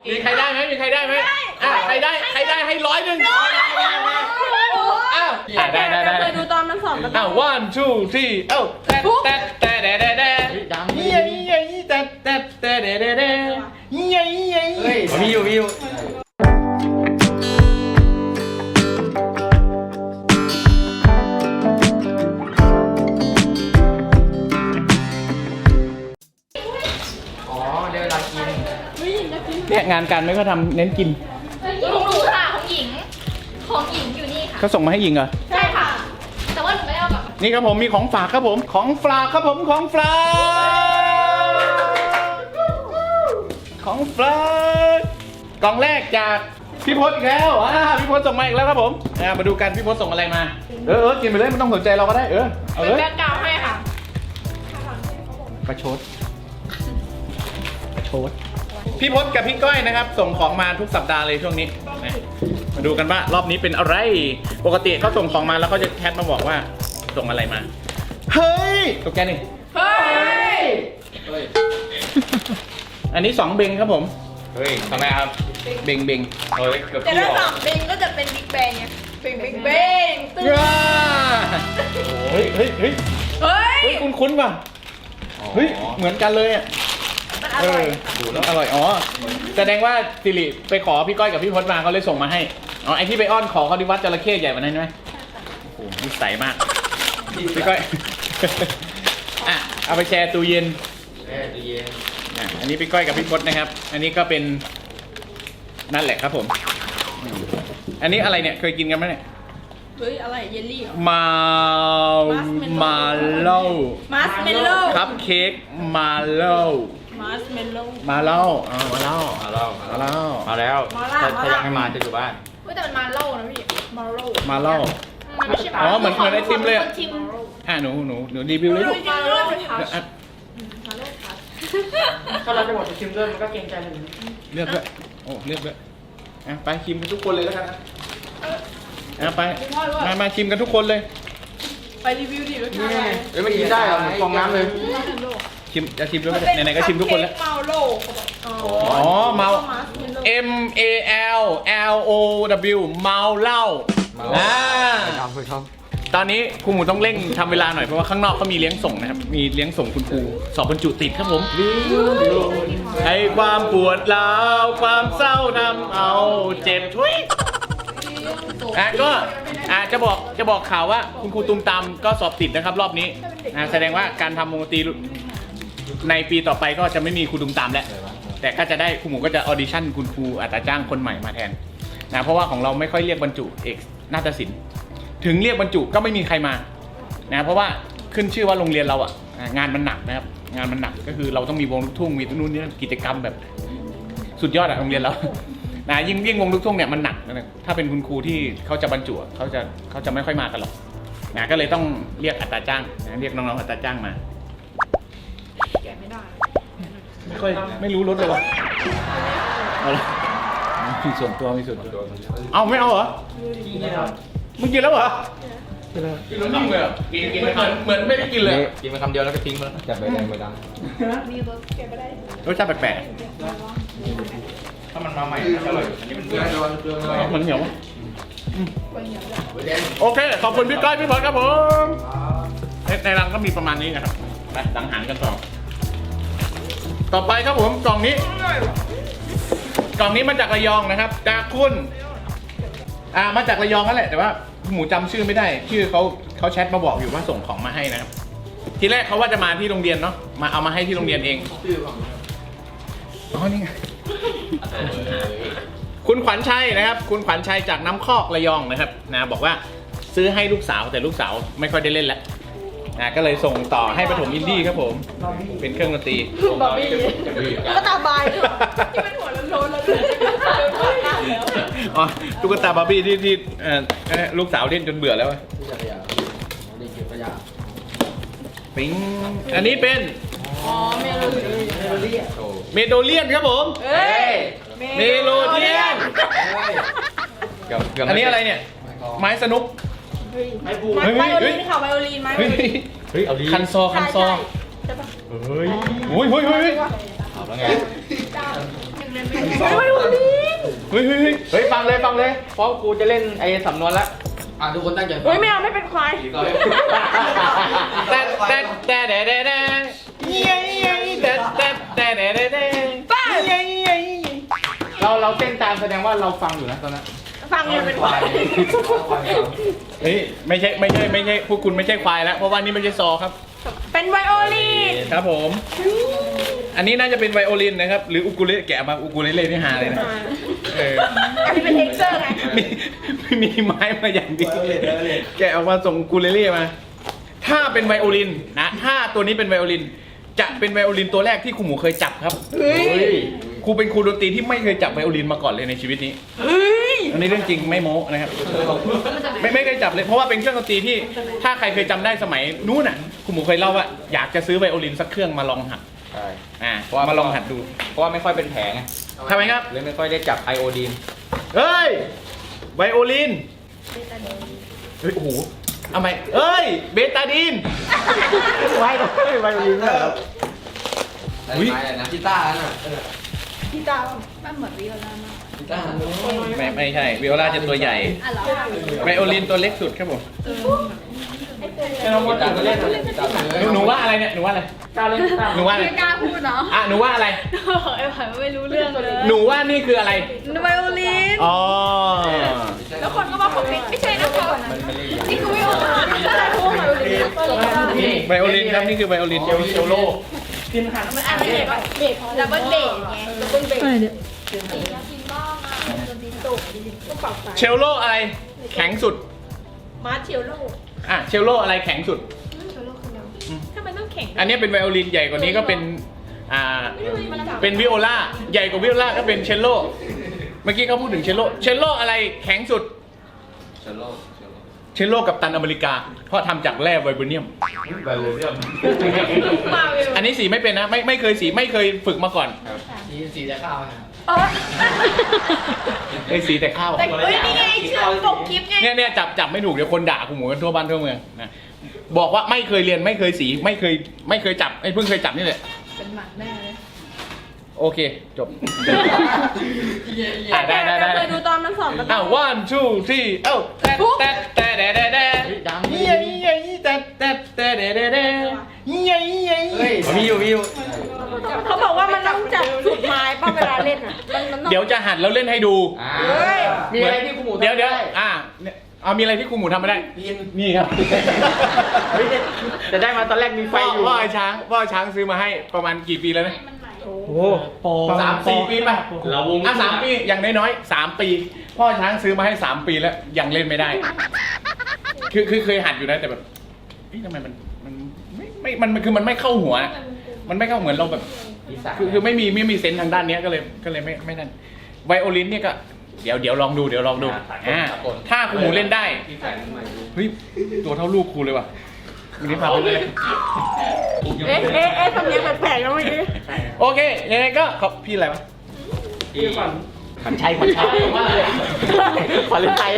มีใครได้ไหมมีใครได้ไหมใครได้ให้100ได้เคยดูตอนมันสอนกัน 1 2 3แต่มีอยู่ได้เวลากินเนี่ยงานการไม่ก็ทำเน้นกินของหนูค่ะของหญิงอยู่นี่ค่ะเขาส่งมาให้หญิงเหรอใช่ค่ะ แต่ว่าหนูไม่ได้เอากลับมานี่ครับผมมีของฝากครับผมของฝากครับผมของฝากกล่องแรกจากพี่พศอีกแล้วพี่พศส่งมาอีกแล้วครับผมมาดูกันพี่พศส่งอะไรมากินไปเลยไม่ต้องสนใจเราก็ได้เอาเลยแบ็คกราวด์ให้ค่ะประชดพี่พศกับพี่ก้อยนะครับส่งของมาทุกสัปดาห์เลยช่วงนี้มาดูกันว่ารอบนี้เป็นอะไรปกติเขาส่งของมาแล้วเขาจะแชทมาบอกว่าส่งอะไรมาเฮ้ยตกใจหนึ่งเฮ้ยอันนี้2 เบงครับผมเฮ้ยทำไมครับเบงเฮ้ยเกือบแต่พี่ถ้าออก 2 เบงก็จะเป็นบิ๊กแบงไงบิ๊กแบงตึ้งเฮ้ยเฮ้ยคุ้นว่ะเฮ้ยเหมือนกันเลยอ่ะมันอร่อยอร่อยแสดงว่าสิริไปขอพี่ก้อยกับพี่พศมาเขาเลยส่งมาให้ไอที่ไปอ้อนขอเขาที่วัดจระเข้ใหญ่กว่านั้นใช่ไหมโอ้โหนิสัยมากพี่ก้อยเอาไปแชร์ตู้เย็นอันนี้พี่ก้อยกับพี่พศนะครับอันนี้ก็เป็นนั่นแหละครับผมอันนี้อะไรเนี่ยเคยกินกันไหมเนี่ยเฮ้ยอะไรเยลลี่เหรอมาเล่ามัสเมลโล่คัพเค้กมาเล่ามัสเมลโล่มาเล่ามาเล่ามาแล้วมาเล่ามาแล้วถ้ายังไม่มาจะอยู่บ้านเฮ้ยแต่มันมาโล่นะพี่มาโล่มาเล่ามันไม่ใช่เหมือนไอติมเลยชิมหนูรีวิวเลยลูกมาโล่จะทถ้าเราจะหมดจะชิมด้วยมันก็เกรงใจมันเลือกด้วยเลือกด้วยไปชิมกันทุกคนเลยแล้วกันนะไปมาชิมกันทุกคนเลยไปรีวิวดิรสชาติอะไรเฮ้ยมันกินได้เหรอเหมือนฟองน้ำเลยชิมจะชิมด้วยไหนๆก็ชิมทุกคนแล้วเมาโล่เมามัสเมลโล่ M A L L O W เมาเหล้าครับตอนนี้ครูหมูต้องเร่งทำเวลาหน่อยเพราะว่าข้างนอกเขามีเลี้ยงส่งนะครับมีเลี้ยงส่งคุณครูสอบบรรจุติดครับผมให้ความปวดร้าวความเศร้าทำเอาเจ็บทุยก็จะบอกข่าวว่าคุณครูตุ้มตามก็สอบติดนะครับรอบนี้แสดงว่าการทำวงดนตรีในปีต่อไปก็จะไม่มีครูตุ้มตามแล้วแต่ก็จะได้ครูหมูก็จะออดิชั่นคุณครูอัตราจ้างคนใหม่มาแทนเพราะว่าของเราไม่ค่อยเรียกบรรจุเอกนาฏศิลป์ถึงเรียกบรรจุก็ไม่มีใครมาเพราะว่าขึ้นชื่อว่าโรงเรียนเรางานมันหนักนะครับงานมันหนักก็คือเราต้องมีวงลูกทุ่งมีนู่นนี่กิจกรรมแบบสุดยอดโรงเรียนเรายิ่งวงลูกทุ่งเนี่ยมันหนักนะถ้าเป็นคุณครูที่เขาจะบรรจุเขาจะไม่ค่อยมากันหรอกก็เลยต้องเรียกอัตราจ้างเรียกน้องๆอัตราจ้างมาแกไม่ได้ไม่รู้รถเลยวะเอาละมีส่วนตัวเอาไม่เอาเหรอมึงกินแล้วเหรอกินแล้วนิ่งเลยกินเหมือนไม่ได้กินเลยกินไปคำเดียวแล้วก็ทิ้งไปแล้วจับใบแดงใบดำรสชาติแปลกถ้ามันมาใหม่อร่อยอันนี้มันเบื่อๆมันเหนียวโอเคขอบคุณพี่ก้อยพี่พลครับผมในรังก็มีประมาณนี้นะครับไปสังหารกันต่อไปครับผมกล่องนี้มาจากระยองนะครับจากคุณมาจากระยองนั่นแหละแต่ว่าหมูจำชื่อไม่ได้ชื่อเขาแชทมาบอกอยู่ว่าส่งของมาให้นะครับทีแรกเขาว่าจะมาที่โรงเรียนเนาะมาเอามาให้ที่โรงเรียนเองนี่ไงคุณขวัญชัยนะครับคุณขวัญชัยจากน้ำคอกระยองนะครับบอกว่าซื้อให้ลูกสาวแต่ลูกสาวไม่ค่อยได้เล่นแล้วก็เลยส่งต่อให้ปฐมอินดี้ครับผมเป็นเครื่องดนตรีบอบบี้ก็ตาบายด้วยที่มันหัวโล้นๆแล้วด้วยตุ๊กตาบาร์บี้ที่ลูกสาวเล่นจนเบื่อแล้วปิ๊งอันนี้เป็นเมโดเลียนครับผมเมโลเดียนอันนี้อะไรเนี่ยไม้สนุกไวโอลินค่ะไวโอลินไหมเฮ้ยเอาดีคันซอเฮ้ยโอ้ยเอาแล้วไงไม่รู้ฮ้ยเฮ้ยเฮ้ยเฮ้ยฟังเลยเพราะกูจะเล่นไอ้สำนวนละทุกคนตั้งใจฟังเฮ้ยไม่เอาไม่เป็นควายแต่แต่แต่แต่แต่เราเต้นตามแสดงว่าเราฟังอยู่นะตอนนั้นฟังมันเป็นควายเฮ้ยไม่ใช่พวกคุณไม่ใช่ควายแล้วเพราะว่านี่ไม่ใช่ซอครับเป็นไวโอลินครับผม อันนี้น่าจะเป็นไวโอลินนะครับหรืออุกุเลแกะมาอุกุเลเล่ที่หาเลยนะเอออันนี้เป็นเท็กเจอร์ไงมีไม้มาอย่างเดียวแกะออกมาส่งอุกุเลเล่มา ถ้าเป็นไวโอลินนะถ้าตัวนี้เป็นไวโอลิน จะเป็นไวโอลินตัวแรกที่ครูหมูเคยจับครับครูเป็นครูดนตรีที่ไม่เคยจับไวโอลินมาก่อนเลยในชีวิตนี้อันนี้เรื่องจริงไม่โม้นะครับไม่เคยจับเลยเพราะว่าเป็นเครื่องดนตรีที่ถ้าใครเคยจำได้สมัยนู้นน่ะครูหมูเคยเล่าว่าอยากจะซื้อไวโอลินสักเครื่องมาลองหัดใช่มาลองหัดดูเพราะว่าไม่ค่อยเป็นแผลไงทำไมครับเลยไม่ค่อยได้จับไอโอดีนเฮ้ยไวโอลินเฮ้ยโอ้โหเอาไหมเอ้ยเบตาดีนไวโอลินนะครับ อุ๊ยอะไรนะกีตาร์น่ะพี่ตามันเหมือนวิโอลามากกีตาร์ไม่ใช่วิโอลาจะตัวใหญ่อ่ะเหรอไวโอลินตัวเล็กสุดครับผมให้น้องมดมาเล่นกีตาร์เลยหนูว่าอะไรเนี่ยหนูว่าอะไรตาเล่นตาหนูว่าอะไรไม่กล้าพูดเนาะอ่ะหนูว่าอะไรไอ้ผ่านไม่รู้เรื่องเลยหนูว่านี่คืออะไรไวโอลินอ๋อแล้วคนก็มาคอมเมนต์ไม่ใช่นะคะมันไม่ได้นี่คือวิโอลาไม่ใช่พวกไวโอลินไวโอลินครับนี่คือไวโอลินเชลโลกินหันมันอะไรแบบเบสดับเบิลเบสไงดับเบิลเบสเชลโลอะไร แข็งสุดมาร์เชลโลอ่ะเชลโลอะไรแข็งสุดทำไมต้องแข่งอันนี้เป็นไวโอลินใหญ่กว่านี้ก็เป็นเป็นวิโอลาใหญ่กว่าวิโอลาก็เป็นเชลโลเมื่อกี้เขาพูดถึงเชลโลเชลโลอะไรแข็งสุดเชลโลเชลโลกับตันอเมริกา เพราะทำจากแร่ไวโบเนียมมาเวลอันนี้สีไม่เป็นนะไม่เคยสีไม่เคยฝึกมาก่อนสีจะข้าวเคยสีแต่ข้าวแต่เฮ้ยนี่ไงเชื่อปกคลิปไงเนี่ยจับไม่ถูกเดี๋ยวคนด่ากูหมูกันทั่วบ้านทั่วเมืองนะบอกว่าไม่เคยเรียนไม่เคยสีไม่เคยจับไอ้เพิ่งเคยจับนี่แหละเป็นหมันแน่เลยโอเคจบได้เคยดูตอนมันสอนมันอ้าว one two three เอ้าแต่มีอยู่เขาบอกว่ามันต้องจับสุดไม้ป่ะเวลาเล่นอ่ะมันต้องเดี๋ยวจะหัดแล้วเล่นให้ดูเฮ้ยมีอะไรที่คุณหมูเดี๋ยวเอามีอะไรที่ครูหมูทำไม่ได้นี่ครับจะได้มาตอนแรกมีไฟอยู่พ่อไอ้ช้างซื้อมาให้ประมาณกี่ปีแล้วนะโอ้โห 3-4 ปีป่ะเราวง3 ปีอย่างน้อยๆ3 ปี พ่อช้างซื้อมาให้3 ปีแล้วยังเล่นไม่ได้ คือเคยหัดอยู่นะแต่แบบทำไมมันคือมันไม่เข้าหัว มันไม่เข้าเหมือนเราแบบคือไม่มีเซนส์ทางด้านเนี้ยก็เลยไม่นั่นไวโอลินเนี่ยก็เดี๋ยวลองดูถ้าครูหมูเล่นได้ที่ใส่น้ำมันเฮ้ยตัวเท่าลูกครูเลยว่ะวันนี้พาไปเลยเอ๊ะทำเนียงแปลกๆแล้วเมื่อกี้โอเคยังไงก็ขอบพี่อะไรวะที่ขันชัยขวัญฤทัย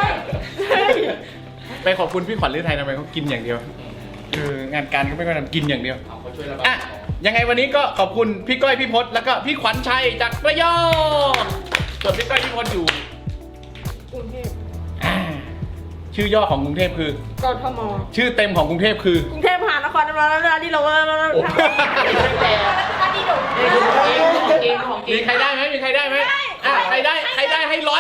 ไปขอบคุณพี่ขวัญฤทัยทำไมเขากินอย่างเดียวงานการก็ไม่ค่อยทำกินอย่างเดียวเขาช่วยระบายอ่ะยังไงวันนี้ก็ขอบคุณพี่ก้อยพี่พศแล้วก็พี่ขวัญชัยจากระยองส่วนพี่ก้อยพี่พศอยู่กรุงเทพชื่อย่อของกรุงเทพคือกทมชื่อเต็มของกรุงเทพคือกรุงเทพมหานครแล้วนี่เรามีใครได้ไหมมีใครได้ไหมอ่ะใครได้ให้100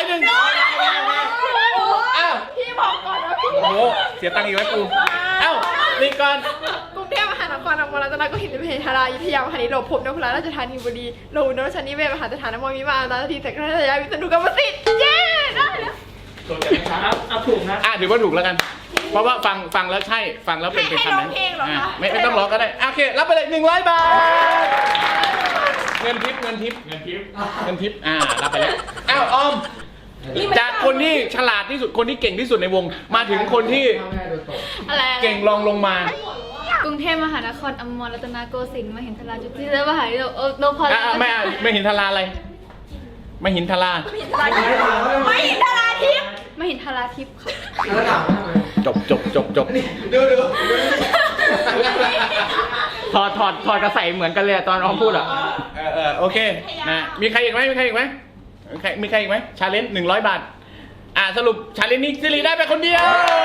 อ้าวพี่บอกก่อนนะพี่โอ้โหเสียตังค์อีกแล้วกูเอ้านี่ก่อนกรุงเทพมหานครอมรรัตนโกสินทร์เพทารายุทธยามหานิโรพพนพราชธานีบุรีโลหุนรชนิเวศมหาสถานมอมิมาตาทีเสกราชยาวิษณุกรรมสิทธิ์เย้ได้แล้วเอาถูกนะถือว่าถูกแล้วกัน เพราะว่าฟังแล้วใช่ฟังแล้วเป็นคำนั้นไม่ต้องร้องก็ได้โอเครับไปเลย100 บาทเงินทิปรับไปแล้วอ้าวออมจากคนที่ฉลาดที่สุดคนที่เก่งที่สุดในวงมาถึงคนที่อะไรเก่งรองลงมากรุงเทพมหานครอมรรัตนโกสินทร์มหินทราจุติมหาวิทยาลัยโนพอลไม่เห็นทาราอะไรไม่เห็นทาราไม่ดาราทิพย์มหินทราทิพย์ค่ะแล้วถามทำไมจบดูถอดกระใสเหมือนกันเลยตอนออมพูดอ่ะโอเคนะมีใครอีกไหมมีใครอีกไหมชาเลนจ์100 บาทสรุปชาเลนจ์นี้ซิริได้ไปคนเดียว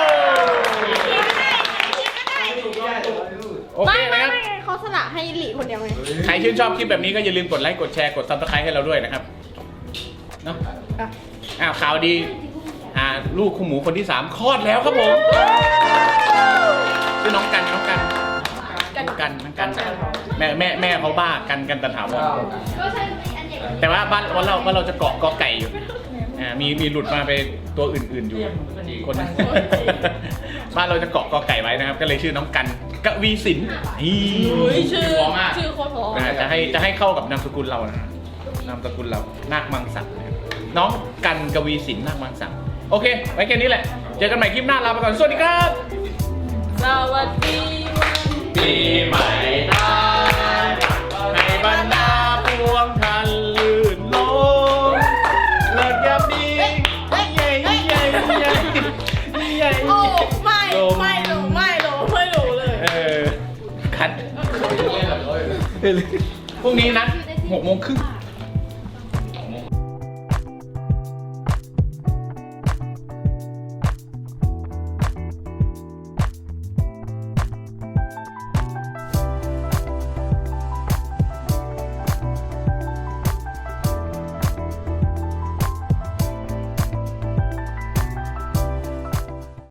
โอเคไม่นะครับเขาสละให้หลีคนเดียวไงใครชื่นชอบคลิปแบบนี้ก็อย่าลืมกดไลค์กดแชร์กด Subscribe ให้เราด้วยนะครับเนาะข่าวดีลูกคู่หมูคนที่3คลอดแล้วครับผมชื่อน้องกันแม่เขาบ้ากันตันถาวรแต่ว่าบ้านเราจะเกาะกอไก่อยู่มีหลุดมาไปตัวอื่นๆอยู่คนนึงบ้านเราจะเกาะกอไก่ไว้นะครับก็เลยชื่อน้องกันกวีสินชื่อพอมากชื่อโคตรพอจะให้เข้ากับนามสกุลเรานะนามสกุลเรานาคมังสักน้องกันกวีสินนาคมังสักโอเคไว้แค่นี้แหละเจอกันใหม่คลิปหน้าลาไปก่อนสวัสดีครับสวัสดีวันปีใหม่ไทยให้บรรดาพวงท่านลื่นลมเลิศยามดีใหญ่โอ้ไม่รู้เลยคัดพรุ่งนี้นัด6:30